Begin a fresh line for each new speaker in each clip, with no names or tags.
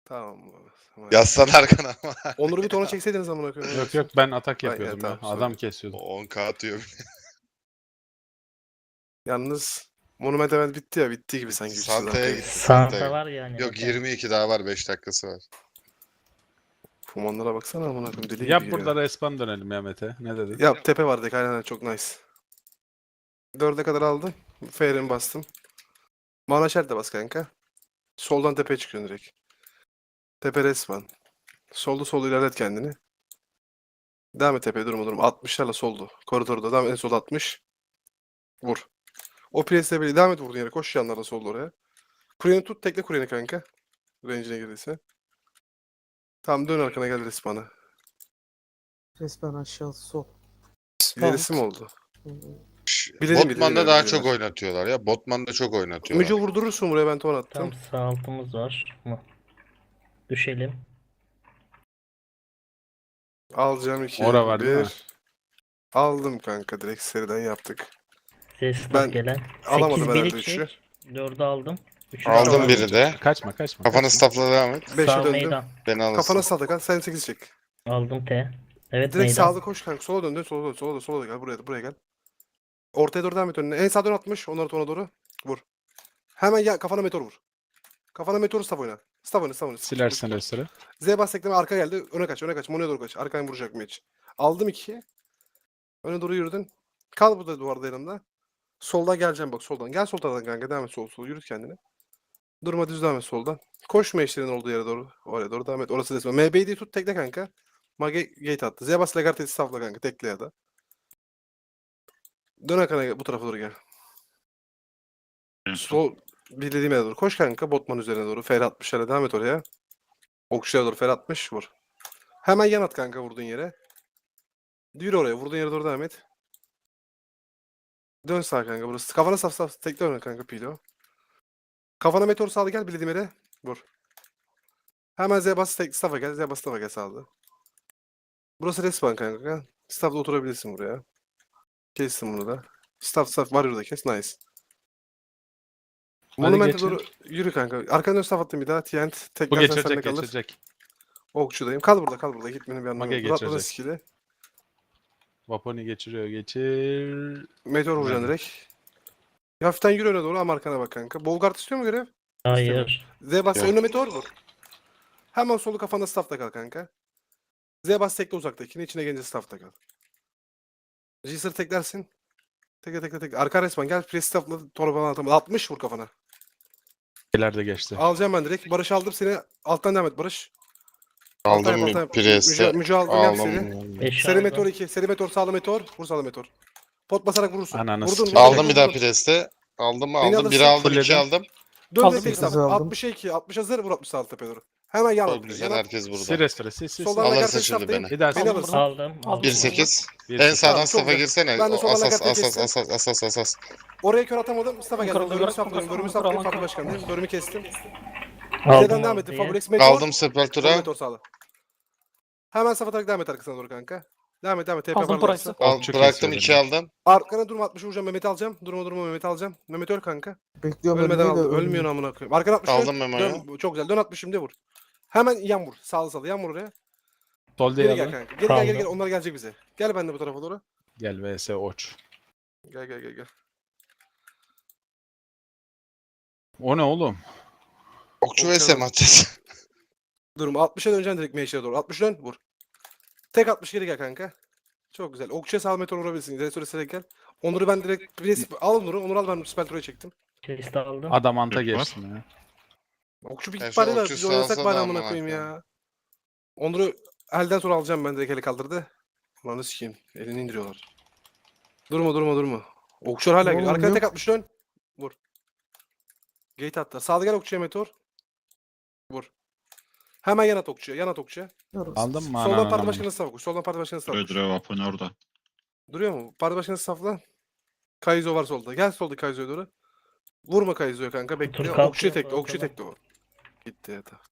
Tamam. Tamam.
Yazsan arkana ama.
Onur'u bir tona çekseydiniz amına koyayım.
Yok yok ben atak
Ay,
yapıyordum
tamam,
ya.
sorry.
Adam kesiyordum.
10k atıyor.
Yalnız Monument Event bitti ya. Bitti gibi sanki. 300
Santa'ya
dakika.
gitti.
Santa var yani.
Yok 22 daha var, 5 dakikası var.
Fumanlara baksana amına koyayım. Deli
Yap
gibi
burada
giriyor.
respawn dönelim ya Mete. Ne dedin?
Yap tepe vardı. Aynen çok nice. 4'e kadar aldım. Fair'imi bastım. Mana Shell de bas kanka. Soldan tepeye çıkıyorsun direkt. Tepe resmen. Solda ilerlet kendini. Devam et tepeye durma. 60'larla soldu. Koridorda devam et. En sol 60. Vur. O presle böyle devam et vurduğun yere. Koş yanlarla solda oraya. Kuryeni tut. Tekle kuryeni kanka. Range'ine girdiyse. Tamam dön arkana gel respawn'a.
Resmen aşağı sol.
İlerisi mi oldu? Bilelim,
Botman'da
bilelim,
daha
bilelim.
çok oynatıyorlar ya. Botman'da çok oynatıyorlar.
Müce vurdurursun buraya ben ton attım.
Tam sağ altımız var mı? Düşelim.
Alacağım 2.
Ora var değil mi?
Aldım kanka direkt seriden yaptık.
Ses
Ben
gelen.
alamadım
8
herhalde
biri
üçü.
çek. 4'ü aldım. 3'ü
Aldım biri de.
Kaçma kaçma.
Kafanı
kaçma.
stafla devam et.
5'e
Sağ
döndüm.
meydan.
Beni alırsın.
Kafana sağda kal. Sen 8 çek.
Aldım T. Evet
Direkt
meydan.
sağda koş kanka. Sola dön. Sola da gel. Buraya gel. Ortaya doğru devam et önüne. En sağdan 60. Onları tona doğru. Vur. Hemen ya kafana meteor vur. Kafana meteor staff oyna. Staff oyna.
Silersen restore.
Z bas tekleme arka geldi. Öne kaç. Mono'ya doğru kaç. Arkadan vuracak mı hiç? Aldım 2'yi. Öne doğru yürüdün. Kal burada duvarda yanımda. Soldan geleceğim bak soldan. Gel sol taraftan kanka. Devam et sol. Yürüt kendini. Durma düz devam et soldan. Koşma eşlerin olduğu yere doğru. Oraya doğru devam et. Orası resmen. MB'yi tut tekle kanka. Mage gate attı. Zebas Lagarte'yi staffla kanka. Tekle ya da. Dön arkana bu tarafa doğru gel. Sol bildiğim yere doğru. Koş kanka Botman üzerine doğru. Fer 60'lara devam et oraya. Okçuya doğru Fer 60 vur. Hemen yan at kanka vurduğun yere. Yürü oraya. Vurduğun yere doğru devam et. Dön sağ kanka burası. Kafana saf. Tekle öne kanka Pilo. Kafana meteor sağlı gel bildiğim yere. Vur. Hemen Zebas staff'a gel. Zebas staff'a gel sağlı. Burası respawn kanka. Staff'da oturabilirsin buraya. Kestim bunu da. Staff var burada kes. Nice. Monument'e
geçin.
doğru yürü kanka. Arkadan staff attım bir daha. TNT
Bu
tekrar sende
geçecek
kalır.
geçecek.
Okçudayım. Kal burada. Gitmenin bir anlamı
Mage
yok. Murat burada
geçecek.
skill'i.
Vaponi geçiriyor geçir.
Meteor vuracaksın
Aynen.
direkt. Hafiften yürü öne doğru ama arkana bak kanka. Bolgard istiyor mu görev?
Hayır.
Zebas
Yok.
önüne meteor vur. Hemen solu kafanda staff'ta kal kanka. Zebas tekle uzaktakini. içine gelince staff'ta kal. Jisr teklersin. Tekle. Arka resmen gel. Press staff'la torbadan atamadı. 60 vur kafana.
Şeyler de geçti.
Alacağım ben direkt. Barış aldım seni. Alttan devam et Barış.
Aldım
Alttan-
Priest'e.
Müce aldım gel
Aldım.
seni.
5
Seri
aldım.
meteor 2. Seri meteor sağlı meteor. Vur sağlı meteor. Pot basarak vurursun.
Ananı
Vurdun.
sikeyim.
Aldım bir daha Priest'e. Aldım mı?
Beni
Aldım.
alırsın.
1 aldım,
Fulledim.
2 aldım.
Dön
Aldım,
direkt tek
sekiz
staff.
aldım.
60'a 2. 60 hazır vur 60 sağlı tepeye doğru. Hemen yan
Çok
at.
güzel,
Yan at.
herkes
Sil
burada.
restore sil.
Soldan
Alırsın
Lagarte'yi
şimdi
staff'tayım.
beni.
Bir daha sil.
Beni alırsın.
Aldım.
1-8.
Bir
En
sekiz.
sağdan
Tamam, çok
staff'a
güzel.
girsene.
Ben de
O
sola
asas.
Lagarte'yi Oraya kör atamadım. Staff'a geldim. Bölümü saplıyorum. Fatih Başkan'dayım. Bölümü kestim. Z'den
Aldım
devam ettim.
ortaya.
Fabrex meteor.
Aldım Sepultura.
Meteor sağlı. Hemen safa tak devam et arkasına doğru kanka. Devam et. TP
Aldım
var
Price'ı.
Okçu
Bıraktım,
kesiyor
2
beni.
aldım.
Arkana durma 60 vuracağım. Mehmet'i alacağım. Durma Mehmet'i alacağım. Mehmet öl kanka.
Bekliyorum
Ölmeden
ölmeyi de
aldı. Ölmüyor amına koyayım. Arkana 60
Aldım Memo'yu.
Dön. Çok güzel. Dön 60 şimdi vur. Hemen yan vur. Sağlı. Yan vur oraya.
Sol
Geri gel
diyelim.
kanka. Geri
Kaldı.
gel. Onlar gelecek bize. Gel ben de bu tarafa doğru.
Gel vs oç.
Gel.
O ne oğlum?
Okçu
Okçu
vs
aldım.
atacağız.
Durma 60'a döneceksin direkt meşeye doğru. 60 dön vur. Tek 60 geri gel kanka. Çok güzel. Okçuya sağ meteor vurabilirsin. Restore gel. Onur'u ben direkt al Onur'u. Onur'u al ben Speltro'ya çektim.
Chest aldım.
Adam anta geçsin ya.
Okçu bir
Ya
git
şu
bari da
okçu
biz oynasak
sağ
bari
da
amına
amına
koyayım
koyayım.
ya. Onur'u elden sonra alacağım ben direkt eli kaldırdı. Ulan sikeyim. Elini indiriyorlar. Durma. Okçular hala
Ne
geliyor. Arkana
oluyor?
tek 60 dön. Vur. Gate attı. Sağda gel okçuya meteor. Vur. Hemen yan at okçuya.
Aldın mı
Soldan
ananı?
parti başkanı saf koş. Soldan parti başkanı saf koş.
Ödre vapon orada.
Duruyor mu? Parti başkanı safla. Kaizo var solda. Gel solda Kaizo'ya doğru. Vurma Kaizo'ya kanka. Bekle.
kalkıyor,
Okçuya tekle.
kalkalım.
o. Gitti ya da.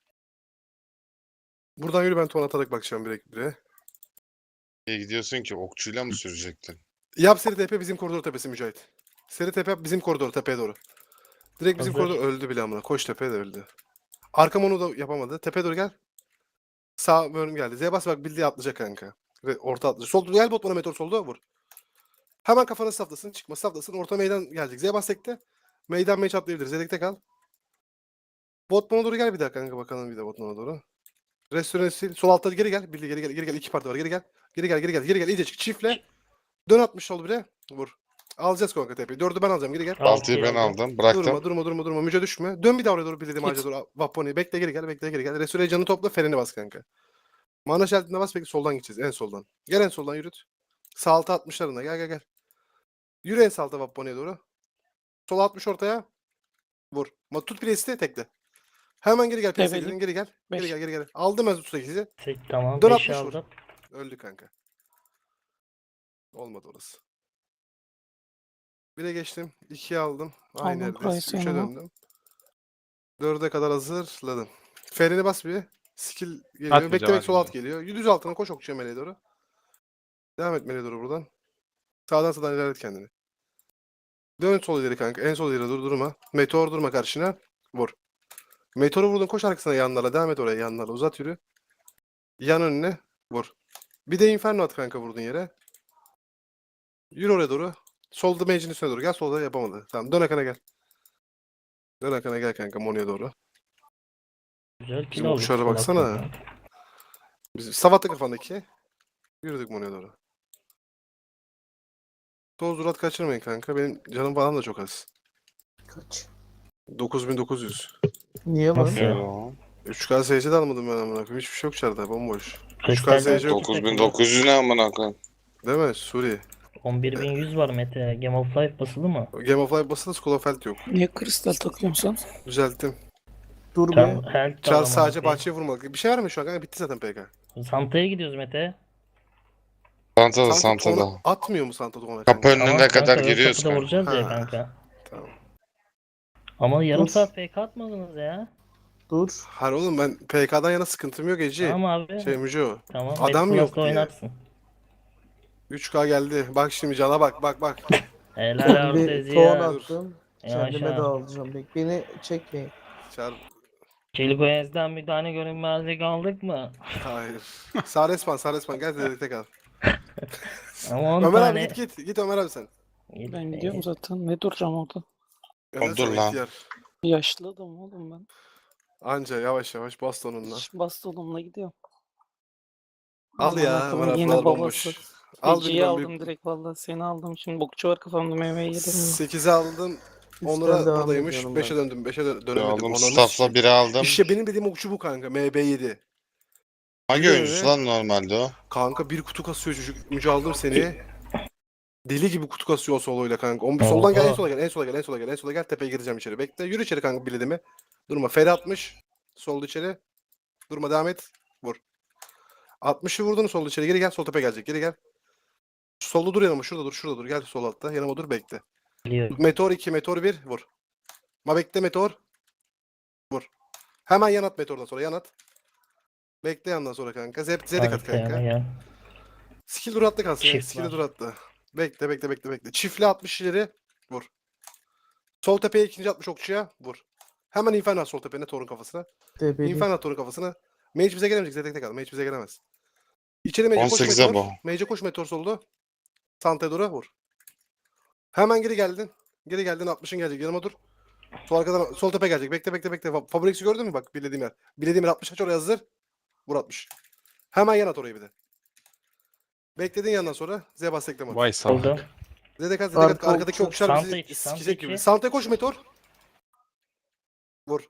Buradan yürü ben ton atarak bakacağım direkt bire.
İyi gidiyorsun ki okçuyla mı sürecektin?
Yap seri TP bizim koridor tepesi Mücahit. Seri TP yap bizim koridor tepeye doğru. Direkt bizim
Hazır.
koridor öldü bile amına. Koş tepeye de öldü. Arkam onu da yapamadı. Tepe doğru gel. Sağ bölüm geldi. Z'ye bas bak bildiği atlayacak kanka. Ve orta atlayacak. Sol gel botmana meteor solda vur. Hemen kafanı saflasın. Çıkma saflasın. Orta meydan gelecek. Z'ye bas tekte. Meydan meç atlayabilir. Z'dekte kal. Botmana doğru gel bir daha kanka bakalım bir de botmana doğru. Restoran sil. Sol altta geri gel. Bildi geri gel. Geri gel. 2 parti var. Geri gel. Geri gel. Geri gel. Geri gel. İyice çık. Çiftle. Dön 60 sol bire. Vur. Alacağız kanka tepeyi. 4'ü ben alacağım. Geri gel.
6'yı ben aldım. Bıraktım.
Durma. Müce düşme. Dön bir daha oraya doğru bildiğim ağaca doğru. Vaponi. Bekle geri gel. Bekle geri gel. Restore canı topla. Freni bas kanka. Mana şeritine bas. Peki soldan gideceğiz. En soldan. Gel en soldan yürüt. Sağ alta 60'larında. Gel. Yürü en sağ alta Vaponi'ye doğru. Sol 60 ortaya. Vur. Tut priest'i tekle. Hemen geri gel. Priest'e
Develim.
gidin. Geri gel.
Beş.
Geri gel. Aldım ben 38'i.
Tamam.
Dön
5'i
60 vur.
aldım.
Öldü kanka. Olmadı orası. 1'e geçtim. 2'ye aldım. Aynı
Aldım
yerdeyiz.
Price'ı
3'e
yanıma.
döndüm. 4'e kadar hazırladım. Ferini bas bir. Skill geliyor.
Atmayacağım,
Beklemek sol alt
atmayacağım.
geliyor. Düz altına koş okçuya meleğe doğru. Devam et meleğe doğru buradan. Sağdan ilerlet kendini. Dön sol ileri kanka. En sol ileri durma. Meteor durma karşına. Vur. Meteoru vurdun koş arkasına yanlara. Devam et oraya yanlara. Uzat yürü. Yan önüne. Vur. Bir de inferno at kanka vurdun yere. Yürü oraya doğru. Solda mage'in üstüne doğru. Gel solda yapamadı. Tamam dön akana gel. Dön akana gel kanka Monio'ya doğru.
Güzel kill
Bizim
aldık.
okçulara
sol
baksana.
altından.
Biz Savat'ta kafandaki. Yürüdük Monio'ya doğru. Toz durat kaçırmayın kanka. Benim canım falan da çok az.
Kaç?
9900.
Niye lan?
Nasıl ya?
Yo.
3K SC de almadım ben amına koyayım. Hiçbir şey yok içeride. Bomboş.
Kristal'den
SC yok.
9900 ne amına koyayım.
Değil mi? Suri.
11.100 var Mete. Game of Life basılı mı?
Game of Life basılı School of Health yok.
Niye kristal takıyorsun sen?
Düzelttim.
Dur
Tam
be.
health
Çar
tamam
sadece
abi.
bahçeye vurmalı. Bir şey var mı şu an kanka? Bitti zaten PK.
Santa'ya gidiyoruz Mete.
Santada
Santa
Santada.
tonu atmıyor mu Santa tonu
Kapı
kanka?
önüne
Tamam
kadar
kanka, ön
giriyoruz
kapıda
kanka.
vuracağız ya
Ha.
kanka.
Tamam.
Ama yarım
Dur.
saat PK atmadınız ya.
Dur.
Hayır oğlum ben PK'dan yana sıkıntım yok Eci.
Tamam abi.
Şey Müco.
Tamam.
adam
Mete
yok
Plus'ta
diye.
oynarsın.
3K geldi. Bak şimdi cana bak.
Helal
Ben bir
Artezi
ton
ya.
attım.
Ya
Kendime
aşağı.
de alacağım. Bek beni çekmeyin.
Çar.
Çelikoyez'den bir tane görünmezlik aldık mı?
Hayır. Sağ resmen gel dedekte kal.
Ama 10
Ömer
tane.
abi git Ömer abi sen.
Ben gidiyorum zaten. Ne duracağım orada?
Ömer
Dur
sen
lan.
ihtiyar.
Yaşlı adam oğlum ben.
Anca yavaş bastonunla.
Bastonumla gidiyorum.
Al
Amına
ya
koyayım,
Ömer abi
yine
buralar
babası.
bomboş. Al
Feci'yi
ben
aldım direkt vallahi seni aldım. Şimdi bokçu var kafamda meyveyi yedim.
8'e aldım.
Üstten
Onur'a
devam
buradaymış.
ediyorum
5'e
ben.
döndüm. 5'e
Bir
dönemedim.
aldım.
Ananı
Staff'la
sikeyim.
biri aldım.
İşte benim dediğim okçu bu kanka. MB7.
Hangi
Yürü
oyuncusu
eve.
lan normalde o?
Kanka bir kutu kasıyor çocuk. Müce aldım seni. Deli gibi kutu kasıyor o soloyla kanka.
Oha.
Soldan gel en sola gel. Tepeye gireceğim içeri. Bekle. Yürü içeri kanka bilediğimi. Durma. Feri 60. Solda içeri. Durma devam et. Vur. 60'ı vurdun solda içeri. Geri gel. Sol tepe gelecek. Geri gel. Solda dur yanıma. Şurada dur. Gel sol altta. Yanıma dur bekle.
Biliyorum.
Meteor 2, Meteor 1. Vur. Ma bekle Meteor. Vur. Hemen yan at Meteor'dan sonra. Yan at. Bekle yandan sonra kanka. Zedik at
Arkaya
kanka.
gel.
Skill dur attı kalsın.
Çift
Skill
var.
dur attı. Bekle. Çiftli 60 ileri. Vur. Sol tepeye ikinci 60 okçuya. Vur. Hemen Inferno at sol tepene Thor'un kafasına.
Debeli.
Inferno at Thor'un kafasına. Mage bize gelemeyecek. Zedek'te kal. Mage bize gelemez. İçeri Mage'e koş
18'e
Meteor.
bu.
Mage'e koş Meteor soldu. Santa'ya doğru vur. Hemen geri geldin. 60'ın gelecek. Yanıma dur. Sol arkadan sol tepe gelecek. Bekle. Fabrix'i gördün mü bak bilediğim yer. Bilediğim yer 60 aç oraya hazır. Vur 60. Hemen yan at orayı bir de. Bekledin yandan sonra Zebas tekleme at.
Vay salak.
Oldu.
Zedek at
Arka
arkadaki
okçu.
okçular
Santa
bizi
içi, Santa
sikecek
içi.
gibi. Santa'ya koş Meteor. Vur.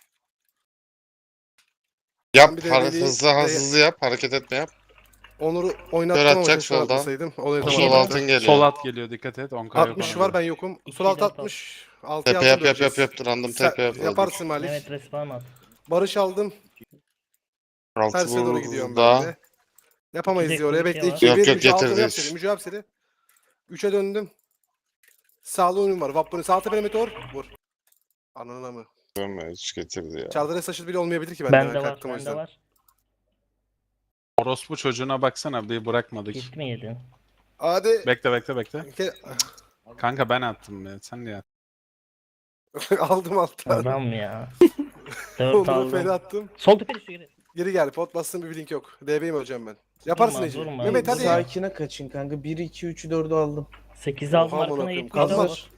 Yap.
Ben bir de deliği-
Hızlı yap. Hareket etme yap.
Onur'u
Kör
oynattım ama
atacak
keşke
soldan.
atmasaydım.
O
Oynatamadım.
sol altın geliyor.
Sol at geliyor dikkat et. 10K yok
60
onda.
var ben yokum. Sol
İki
alt
de
60. 6'ya
Tepe yap
altın döneceğiz.
random
Sen
tepe yap.
yaparsın Malik.
Evet respawn at.
Barış aldım.
Altı
Tersine doğru gidiyorum
burada.
ben de. Yapamayız
İki de
diyor oraya.
kuvveti
Bekle
var.
2'ye
Yok,
1.
yok,
Müce altını
getirdi
yap
üç.
seri. Müce yap seri. 3'e döndüm. Sağlı oyunum var. Vapponi sağ tepene meteor. Vur. Ananına mı?
Görme, hiç getirdi ya.
Çardar'a saçıl bile olmayabilir ki bende.
Bende
Ben
var.
kalktım o
Bende
yüzden.
var.
Orospu çocuğuna baksana bir bırakmadık.
Hit mi yedin?
Hadi.
Bekle.
Ke-
Kanka ben attım ya. Sen niye attın?
Aldım alttan.
Adam ya. 4
Onur'a feri
aldım.
attım.
Sol tepe düştü geri.
Geri gel. Pot bastım bir blink yok. DB'yim öleceğim ben. Yaparsın
Durma,
Ece.
durma.
Mehmet hadi.
Sakine kaçın kanka. 1, 2, 3'ü 4'ü aldım.
8'i aldım
Oha, amına
arkana
koyayım.
70 de
Kalmaz.
var.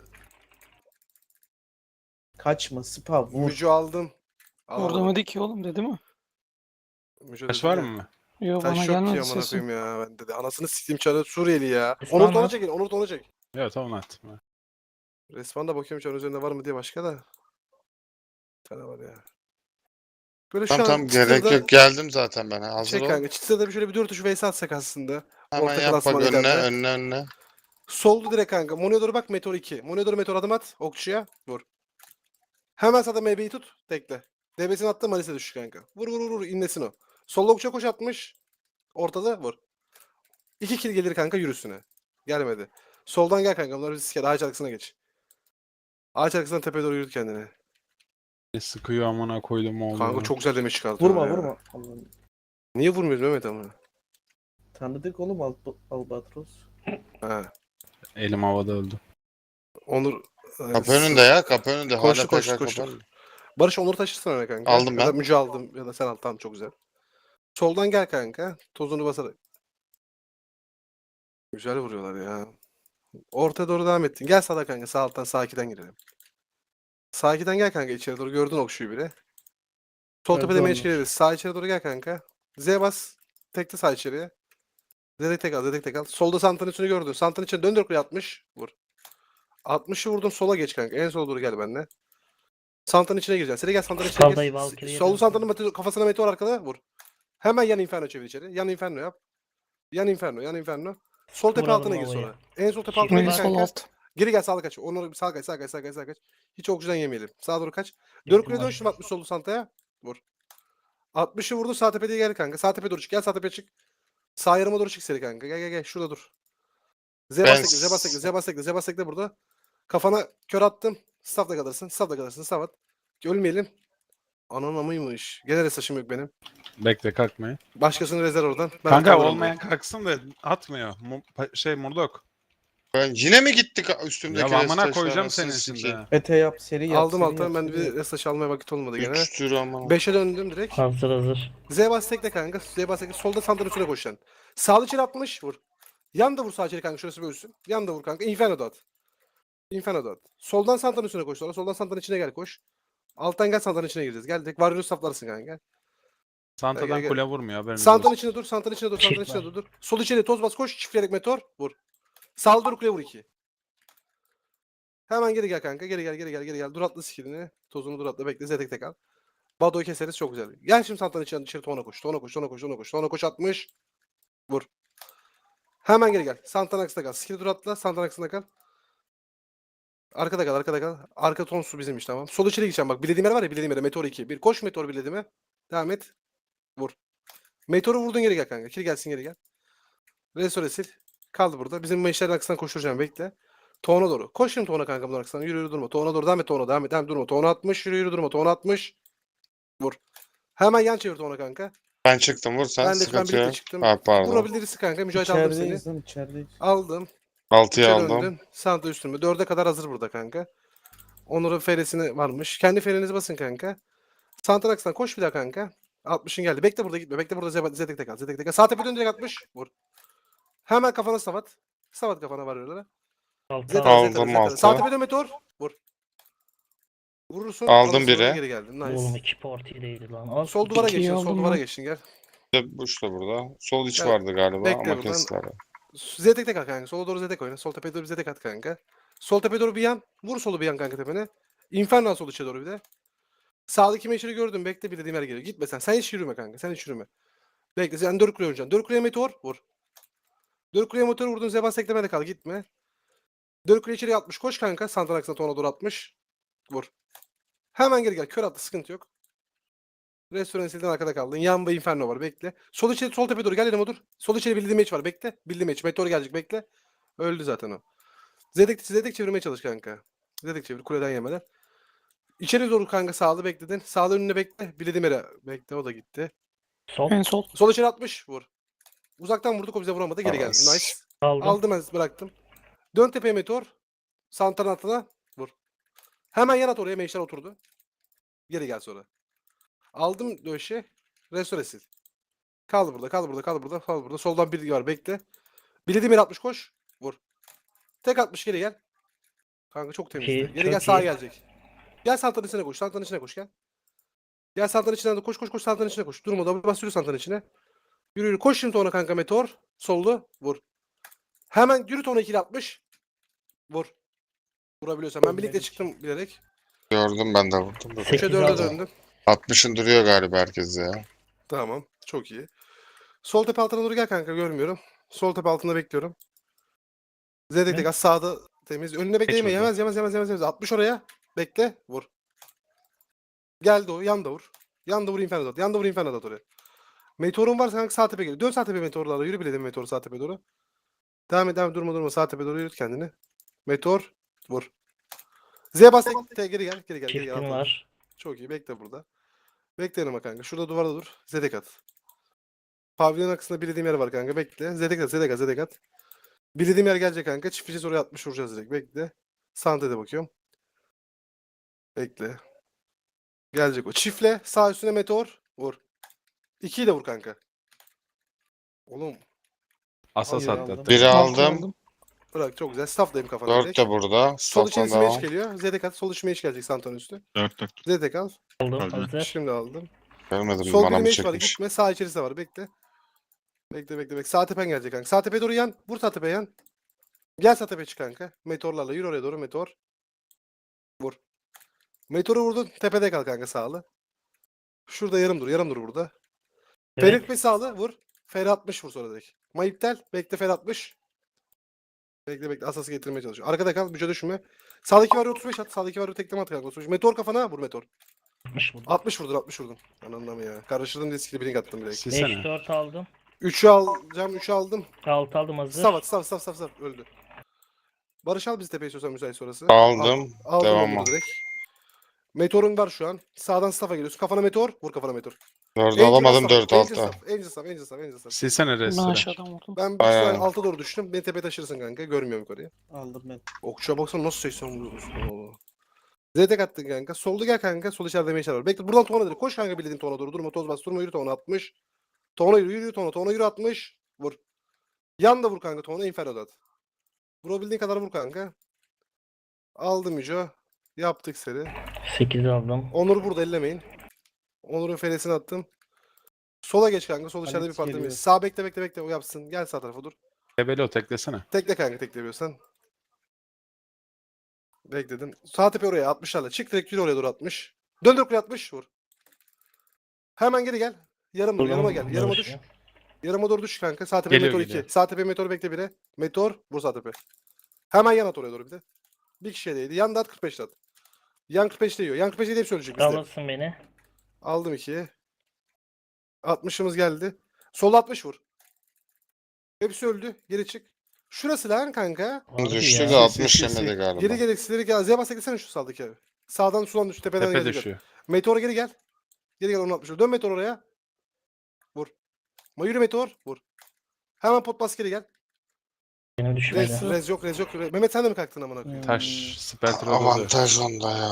Kaçma. Spa vur.
Mücü aldım.
Orada
Alamadım.
mı ki oğlum dedi mi?
Mücü
Taş
dedi
var
de.
mı?
Yo bana
Taş yok ki
gelmedi
amına
sesin.
koyayım ya. Ben dedi. Anasını sikeyim çarı Suriyeli ya.
İsmail
Onur da ona
var.
çekin. Onur da ona çek.
Evet tamam at.
Resmen de bakıyorum çarın üzerinde var mı diye başka da. Bir tane var ya. Böyle şu
Tamam
an
tamam gerek
çıtırda-
yok. Geldim zaten ben. Hazır
Şey
ol.
kanka çıtırda bir şöyle bir 4 tuşu vs atsak aslında.
Hemen
orta
yap bak
klasman
önüne
ileride.
önüne.
Soldu direkt kanka. Monio'ya doğru bak Meteor 2. Monio'ya doğru Meteor adım at. Okçuya. Vur. Hemen sağda MB'yi tut. Tekle. DB'sini attı Malis'e düş kanka. Vur vur vur vur. İnlesin o. Solda okçuya koş atmış. Ortada vur. 2 kill gelir kanka yürüsüne. Gelmedi. Soldan gel kanka. Bunlar riske. Ağaç arkasına geç. Ağaç arkasından tepeye doğru yürüt kendini.
Ne sıkıyor amına koydum oğlum.
Kanka çok güzel demiş çıkartıyor.
Vurma
ya.
vurma. Allah'ım.
Niye vurmuyorsun Mehmet ama?
Tanıdık oğlum Albatros.
Ha.
Elim havada öldü.
Onur.
Kapı önünde ya. Kapı önünde.
Koştu,
Hala
koştu,
PK
koştu.
kapı önünde.
Barış Onur taşırsın öyle kanka.
Aldım
Ya da
ben.
Müce aldım ya da sen al. Tamam çok güzel. Soldan gel kanka. Tozunu basarak. Güzel vuruyorlar ya. Ortaya doğru devam ettin. Gel sağda kanka. Sağ alttan sağ 2'den girelim. Sağ 2'den gel kanka içeri doğru. Gördün okşuyu biri. Sol
Gördü
tepede
onlar.
meç geliriz. Sağ içeri doğru gel kanka. Z bas. Tekte sağ içeriye. Z'dek tek al. Z'dek tek al. Solda Santa'nın üstünü gördün. Santa'nın içine döndür kuleye 60. Vur. 60'ı vurdun sola geç kanka. En sola doğru gel benimle. Santa'nın içine gireceksin. Seri gel Santa'nın içine
Skalda'yı
gir.
Valkyrie'ye
Solu
dön.
Santa'nın kafasına meteor arkada vur. Hemen yan inferno çevir içeri. Yan inferno yap. Yan inferno, yan inferno. Sol tepe
Vuralım
altına gir
havaya.
sonra. En sol tepe
Şimdi
altına
En
gir
bak.
sol
kanka.
alt.
Geri gel sağda kaç. Onları sağ kaç, sağ kaç, sağ kaç, sağ kaç. Hiç okçudan yemeyelim. Sağa doğru kaç.
Girdim
Dört kuleye dön
ben.
şimdi 60 soldu Santa'ya. Vur. 60'ı vurdu sağ tepeye gel kanka. Sağ tepeye doğru çık. Gel sağ tepeye çık. Sağ yarıma doğru çık seri kanka. Gel gel gel. Şurada dur. Z
Ben
bas tekle, Z bas tekle, Z bas tekle, Z bas tekle burada. Kafana kör attım. Staff'la kalırsın. Staff'la kalırsın. Staff at. Ölmeyelim. Anan amıymış. Gene de saçım yok benim.
Bekle kalkmayın.
Başkasını rezerv oradan. Ben
Kanka
kalırım
olmayan kalksın da atmıyor. Murdok.
Ben yine mi gittik üstümdeki
Ya amına
restaşlar,
koyacağım
anasını
senin
sikeyim.
şimdi.
Ete yap seri
burada.
yap.
Aldım
seri
alttan.
yap,
Ben
seri
bir
yap.
restaş almaya vakit olmadı gene.
3 tür ama.
5'e döndüm direkt.
Hazır hazır.
Z bas tekle kanka. Z bas tekle. Solda sandalın üstüne koşacaksın. Sağlı içeri 60 vur. Yan da vur sağ içeri kanka. Şurası bölsün. Yan da vur kanka. Inferno da at. Inferno da at. Soldan santanın üstüne koş sonra. Soldan santanın içine gel koş. Alttan gel santanın içine gireceğiz. Gel direkt Warrior'u saflarsın kanka.
Santadan
Gel.
kule vurmuyor haberiniz
Santanın
olsun.
içine dur. Santanın içine dur.
Çift
Santanın içine
var.
dur. Sol içeri toz bas koş. Çiftleyerek meteor. Vur. Sağlı dur kuleye vur 2. Hemen geri gel kanka. Geri gel geri gel geri gel. Dur atla skillini. Tozunu dur atla bekle. Zetek tek al. Bado'yu keseriz çok güzel. Gel şimdi santanın içine dışarı tona koş. Tona koş. Tona koş. Tona koş. Tona koş 60. Vur. Hemen geri gel. Santan aksında kal. Skill dur atla. Santan aksında kal. Arkada kal. Arkada kal. Arka ton su bizim iş tamam. Sol içeri gideceğim bak. Bilediğim yer var ya. Bilediğim yere. Meteor 2. Bir koş Meteor bilediğime. Devam et. Vur. Meteor'u vurdun geri gel kanka. Kil gelsin geri gel. Restore sil. Kaldı burada. Bizim meşlerin arkasından koşturacağım bekle. Toğuna doğru. Koş şimdi Toğuna kanka bunun arkasından. Yürü yürü durma. Toğuna doğru devam et Toğuna. Devam et. Devam et, durma. Toğuna 60. Yürü yürü durma. Toğuna 60. Vur. Hemen yan çevir Toğuna kanka.
Ben çıktım vur sen
Ben
sıkıntı
birlikte
yok.
çıktım.
Ha pardon.
Vurabilirsi kanka. Mücahit aldım seni.
İçerideyiz lan içerideyiz.
Aldım.
6'yı
İçeri
aldım.
döndün. Santa üstüme. 4'e kadar hazır burada kanka. Onur'un feresini varmış. Kendi ferenizi basın kanka. Santanax'tan koş bir daha kanka. 60'ın geldi. Bekle burada gitme. Bekle burada Zetek tek al. Zetek tek al. Sağ tepe dön direkt 60. Vur. Hemen kafana savat. Savat kafana var öyle.
Altı
Zetek
aldım.
Aldım,
Zetek.
altı.
Sağ tepe dön meteor. Vur. Vurursun.
Aldım
alırsın,
biri.
Geri geldin.
Oğlum
Nice.
2 parti değildi lan. Al.
Sol duvara
İkiyi
geçin. Sol
aldım
duvara
ben.
geçin gel.
Buş da burada. Sol iç
Gel.
vardı galiba
Bekle
ama
buradan.
kestiler.
Zetek tek al kanka. Sola doğru Zetek oyna. Sol tepeye doğru Zetek at kanka. Sol tepeye doğru bir yan. Vur solu bir yan kanka tepene. Inferno al sol içe doğru bir de. Sağdaki meşeri gördüm. Bekle bir dediğim yer geliyor. Gitme sen. Sen hiç yürüme kanka. Sen hiç yürüme. Bekle. Sen 4 kuleye oynayacaksın. 4 kuleye meteor. Vur. 4 kuleye meteor vurdun. Zebas teklemede kal. Gitme. 4 kuleye içeriye 60. Koş kanka. Santanax'ına tona doğru 60. Vur. Hemen geri gel. Kör attı. Sıkıntı yok. Restoran silden arkada kaldın. Yan ve Inferno var. Bekle. Sol içeri sol tepe doğru. Gel yanıma dur. Sol içeri bildiğim meç var. Bekle. Bildiğim meç. Meteor gelecek. Bekle. Öldü zaten o. Zedek çevirmeye çalış kanka. Zedek çevir. Kuleden yemeden. İçeri doğru kanka sağlı bekledin. Sağlı önüne bekle. Bilediğim yere bekle. O da gitti.
Sol.
En sol.
Sol içeri 60. Vur. Uzaktan vurduk o bize vuramadı. Geri geldi.
As.
Nice.
Aldım.
Aldım ben bıraktım. Dön tepeye meteor. Santanın altına. Vur. Hemen yan at oraya. Meşler oturdu. Geri gel sonra. Aldım döşe. Restore sil. Kal burada, kal burada, kal burada, kal burada. Soldan bir var, bekle. Bilediğim yere 60 koş. Vur. Tek 60 geri gel. Kanka çok temizdi.
İyi,
Geri
çok
gel, sağa
iyi.
gelecek. Gel santanın içine koş, santanın içine koş gel. Gel santanın içine de koş, koş, koş, santanın içine koş. Durma, da bas, yürü santanın içine. Yürü, yürü. Koş şimdi ona kanka, meteor. Sollu, vur. Hemen yürüt onu 2'li 60. Vur. Vurabiliyorsan. Ben birlikte çıktım bilerek.
Gördüm, ben de vurdum. da.
3'e
8
4'e
aldım.
döndüm.
60'ın duruyor galiba herkes ya.
Tamam. Çok iyi. Sol tepe altına doğru gel kanka, görmüyorum. Sol tepe altında bekliyorum. Zedek tek az sağda temiz. Önüne bekleyeme.
burada.
Yemez. 60 oraya. Bekle. Vur. Geldi o. Yan da vur. Yan da vur Inferno Dot. Yan da vur Inferno Dot oraya. Meteorun varsa kanka sağ tepe geliyor. Dön sağ tepe meteorlarla. Yürü bile meteor sağ tepe doğru. Devam et. Durma. Sağ tepe doğru yürüt kendini. Meteor. Vur. Z bas tek. Geri gel. Geri gel.
Çiftim var.
Çok iyi. Bekle burada. Bekle yanıma kanka. Şurada duvarda dur. Zedek at. Pavyon arkasında bildiğim yer var kanka. Bekle. Zedek at. Bildiğim yer gelecek kanka. Çifteceğiz oraya 60 vuracağız direkt. Bekle. Sante'de bakıyorum. Bekle. Gelecek o. Çiftle. Sağ üstüne meteor. Vur. 2'yi de vur kanka. Oğlum.
Asas
Hayır,
attı.
aldım.
Biri aldım.
Bırak çok güzel. Staff'dayım kafana
4
direkt.
de burada.
Sol
Stop'tan
içine
devam.
meş geliyor. Zedek at. Sol içine meş gelecek Santon üstü.
4.
Zedek al.
Aldım.
Öldü.
Hazır.
Şimdi aldım.
Görmedim,
Sol
bana
bir
mı
meş var.
çekmiş?
Gitme. Sağ içerisi de var. Bekle. Bekle. Sağ tepen gelecek kanka. Sağ tepeye doğru yan. Vur sağ tepeye yan. Gel sağ tepeye çık kanka. Meteorlarla yürü oraya doğru meteor. Vur. Meteoru vurdun. Tepede kal kanka sağlı. Şurada yarım dur burada.
Evet.
Ferit ve sağlı vur. Fer 60 vur sonra direkt. Mayiptel. Bekle Fer 60. Bekle. Asası getirmeye çalışıyor. Arkada kal. Büce düşme. Sağdaki var 35 at. Sağdaki var tekleme at kanka. 35. Meteor kafana vur meteor.
60 vurdum.
60 vurdun. Anlamı ya. Karıştırdım diye skill blink attım direkt.
Silsene.
5-4 aldım.
3'ü alacağım. 3'ü aldım.
6 aldım hazır.
Staff. Öldü. Barış al bizi tepeye istiyorsan müsait sonrası.
Aldım.
Aldım
Devam
onu
al.
direkt. Meteorun var şu an. Sağdan staff'a geliyorsun. Kafana meteor. Vur kafana meteor.
4 alamadım,
Angel
4
staff,
altta.
Angel staff.
Silsene
Ben
restore.
aşağıdan vurdum.
Ben bir
Aynen.
süre alta doğru düştüm. Beni tepeye taşırsın kanka. Görmüyorum yukarıya.
Aldım ben.
Okçuya baksana nasıl 80 vuruyorsun. Oo. Zedek attın kanka. Solda gel kanka. Sol içeride meşer var. Bekle buradan tona direkt. Koş kanka bildiğin tona doğru. Durma toz bas. Durma yürü tona 60. Tona yürü tona. Tona yürü 60. Vur. Yan da vur kanka tona. Inferno at. Vurabildiğin kadar vur kanka. Aldım Müco. Yaptık seri.
8 aldım.
Onur burada ellemeyin. Onur'un feresini attım. Sola geç kanka. Sol içeride bir
Alex
parti
geliyor.
miyiz? Sağ bekle o yapsın. Gel sağ tarafa dur.
Tebelo teklesene.
Tekle kanka tekleyebiliyorsan. Bekledim. Sağ tepe oraya 60'larla. Çık direkt yürü oraya doğru 60. Döndür oraya 60 vur. Hemen geri gel. Yarım dur. Yanıma gel. Yarıma düş. Yarıma doğru düş kanka. Sağ tepe
Geliyor,
meteor
geliyor.
2. Sağ tepe meteor bekle 1'e. Meteor vur sağ tepe. Hemen yan at oraya doğru bir de. Bir kişiye değdi. Yan da at 45 at. Yan 45 değiyor. Yan 45 hep söyleyecek bizde.
Alırsın beni.
Aldım 2'ye. 60'ımız geldi. Sol 60 vur. Hepsi öldü. Geri çık. Şurası lan kanka.
Harbi
Düştü
ya.
de 60
sil.
yemedi galiba.
Geri gereksileri gel. Z'ye bas eklesene şu sağdaki abi. Sağdan sulan düş. Tepeden
Tepe
gelecek.
düşüyor.
Meteor geri gel. Geri gel onu 60. Dön meteor oraya. Vur. Yürü meteor. Vur. Hemen pot bas geri gel.
Benim düşmedi.
Rez yok. Mehmet sen de mi kalktın amına koyayım?
Taş. Spelter oldu.
Avantaj onda ya.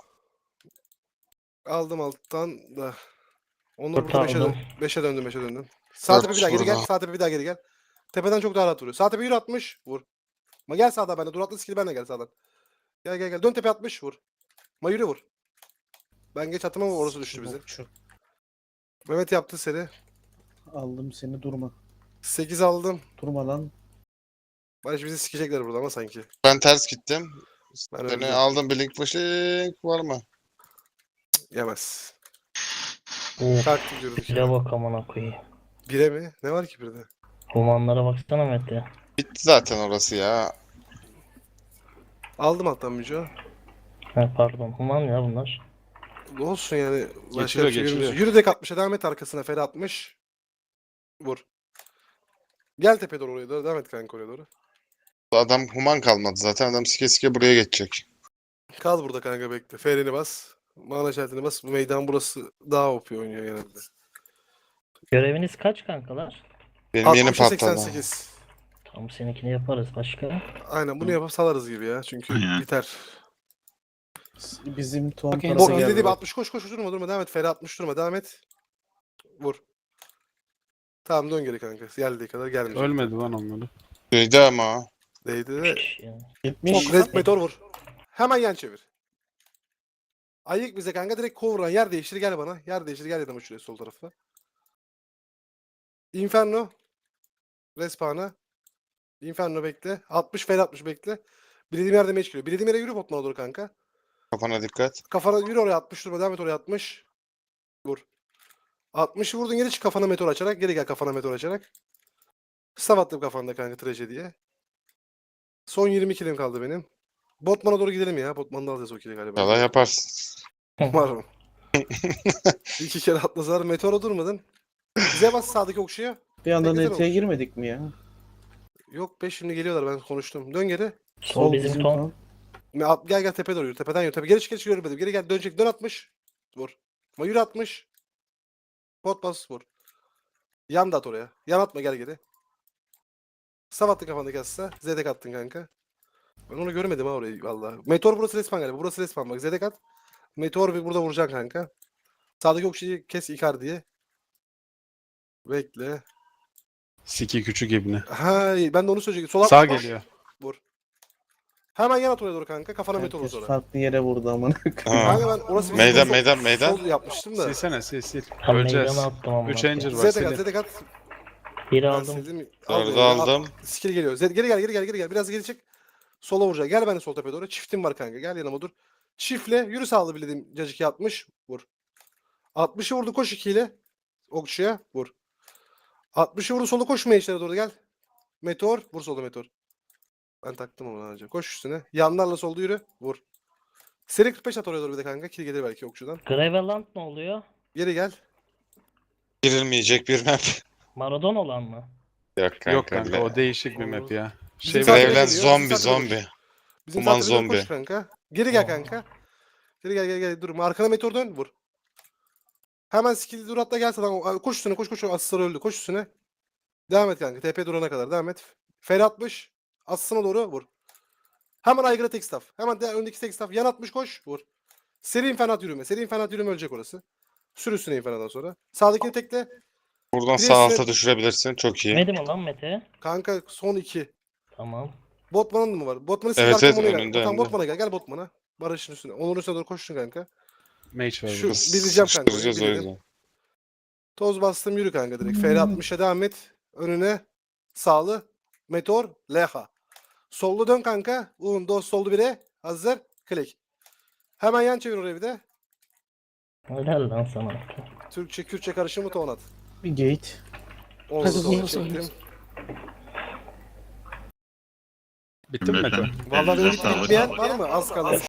Aldım alttan da. Onur
Dört
burada 5'e
aldım.
5'e döndüm. Sağ tepe bir daha geri gel.
burada.
Sağ tepe bir daha geri gel. Tepeden çok daha rahat vuruyor. Sağ tepe yürü 60. Vur. Ma gel sağda bende. Dur atlı skill benle gel sağdan. Gel. Dön tepe 60 vur. Ma yürü vur. Ben geç attım ama orası düştü bize.
Okçu.
Mehmet yaptı seri.
Aldım seni durma.
8 aldım.
Durma lan.
Barış bizi sikecekler burada ama sanki.
Ben ters gittim.
Ben
Beni
öldüm.
aldım, blink flashing var mı?
Yemez.
Of.
Taktik yürüdük.
Bile bak amına koyayım.
Bire mi? Ne var ki birde?
Humanlara baksana Mete.
Bitti zaten orası ya.
Aldım alttan Müco.
Ha, pardon. Human ya bunlar.
Olsun yani. Başka
Geçiriyor,
bir şey
geçiriyor.
yürümüyoruz. Yürü dek 60'a devam et arkasına. Feri 60. Vur. Gel tepe doğru oraya doğru. Devam et kanka oraya doğru.
Adam human kalmadı zaten. Adam sike sike buraya geçecek.
Kal burada kanka bekle. Ferini bas. Mana şartını bas. Bu meydan burası daha OP oynuyor genelde.
Göreviniz kaç kankalar?
Benim yeni
60'a
patladı.
88.
Tam seninkini yaparız başka.
Aynen bunu yapıp salarız gibi ya. Çünkü
Aynen.
biter.
Bizim ton
Bak, en
tarafa
son
Bok
geldi.
dediğim
bak.
60 koş koş durma durma devam et. Feri 60 durma devam et. Vur. Tamam dön geri kanka. Geldiği kadar gelmeyecek.
Ölmedi lan onları.
Duydu ama o.
Değdi
Üç
de.
kişi ya.
Gitmiş.
Çok red meteor vur. Hemen yan çevir. Ayık bize kanka direkt kovran. Yer değiştir gel bana. Yer değiştir gel yanıma şuraya sol tarafa. Inferno. Respawn'a. Inferno bekle. 60 fel 60 bekle. Bildiğim yerde meç geliyor. Bildiğim yere yürü botmana doğru kanka.
Kafana dikkat.
Kafana yürü oraya 60 durma. Devam et oraya 60. Vur. 60'ı vurdun geri çık kafana meteor açarak. Geri gel kafana meteor açarak. Staff attım kafanda kanka trajediye. Son 20 kilim kaldı benim. Botman'a doğru gidelim ya. Botman'da alacağız o kili galiba.
İnşallah yaparsın.
Var mı? 2 kere atlasalar meteora durmadın. Bize bas sağdaki okşuya.
Bir anda
Ne güzel
neteye
olmuş.
girmedik mi ya?
Yok be şimdi geliyorlar ben konuştum. Dön geri.
Sol bizim ton.
Gel gel tepeye doğru yürü. Tepeden yürü. Tepe. Geri çık geri çık yürümedim. Geri gel dönecek. Dön 60. Vur. Ama yürü 60. Pot bas vur. Yan da at oraya. Yan atma gel geri. Staff attın kafandaki asla. Zedek attın kanka. Ben onu görmedim ha orayı valla. Meteor burası respawn galiba. Burası respawn bak. Zedek at. Meteor bir burada vuracaksın kanka. Sağdaki okşayı kes Icardi'ye. Bekle.
Siki küçük ibni.
Ha ben de onu söyleyecektim. Sola
Sağ geliyor.
Vur. Hemen yan at oraya doğru kanka. Kafana meteor vur
Herkes
sonra.
farklı yere vurdu amına.
Ha.
Kanka ben orası bizim
Meydan
sol-
meydan meydan.
Sol yapmıştım da.
Silsene sil.
Tam
Öleceğiz.
meydana attım ama.
3 Ranger var
Zedek at,
silin.
Zedek at.
Biri
Ben
aldım.
sildim.
Dördü
Al,
aldım.
Skill geliyor. Geri gel, geri gel. Biraz geri çık. Sola vuracak. Gel ben de sol tepeye doğru. Çiftim var kanka. Gel yanıma dur. Çiftle yürü sağlı bildiğim cacık 60. Vur. 60'ı vurdu koş 2 ile. Okçuya vur. 60'ı vurdu sola koş meşlere doğru gel. Meteor vur solda meteor. Ben taktım onu önce. Koş üstüne. Yanlarla solda yürü. Vur. Seri 45 at oraya doğru bir de kanka. Kill gelir belki okçudan.
Graveland ne oluyor?
Geri gel.
Girilmeyecek bir map.
Maradona olan mı?
Yok kanka.
Yok kanka
bile.
o değişik bir map ya.
Bizim
Şey
zaten
var.
Graveland
geliyor,
zombi
bizim zaten
zombi.
Bizim
Aman
zaten koş
zombi.
kanka. Geri gel
Aa.
kanka. Geri gel. Durma. Arkana meteor dön. Vur. Hemen skill dur atla gel sana. Koş üstüne koş. Asıslar öldü. Koş üstüne. Devam et kanka. TP durana kadar. Devam et. Fer 60. Asısına doğru vur. Hemen aygıra tek staff. Hemen öndeki tek staff. Yan 60 koş. Vur. Seri infernat yürüme. Seri infernat yürüme ölecek orası. Sür üstüne infernattan sonra. Sağdakini tekle.
Buradan
Bir
sağ
de
alta düşürebilirsin. Çok iyi.
Yemedi mi lan Mete?
Kanka son 2.
Tamam.
Botman'ın mı var? Botman'ı sil
Evet,
arkama
evet,
ona gel.
önünde,
Tamam
önünde.
Botman'a gel. Gel Botman'a. Barış'ın üstüne. Onur'un üstüne doğru koştun kanka.
Mage var
Şu-
burada.
bileceğim kanka,
Sıkıştıracağız o
bildim.
yüzden.
Toz bastım yürü kanka direkt. FR60'a devam et. Önüne sağlı. Meteor. Leha. Sollu dön kanka. Dos sollu 1'e. Hazır. Klik. Hemen yan çevir oraya bir de.
Helal lan sana.
Türkçe Kürtçe karışımı ton at.
Bir gate.
Onu
Hadi
da
bunu
çektim.
söyle.
Bitti mi Mete?
Vallahi benim
Elinize sağlık.
bitmeyen var mı? Az kaldı.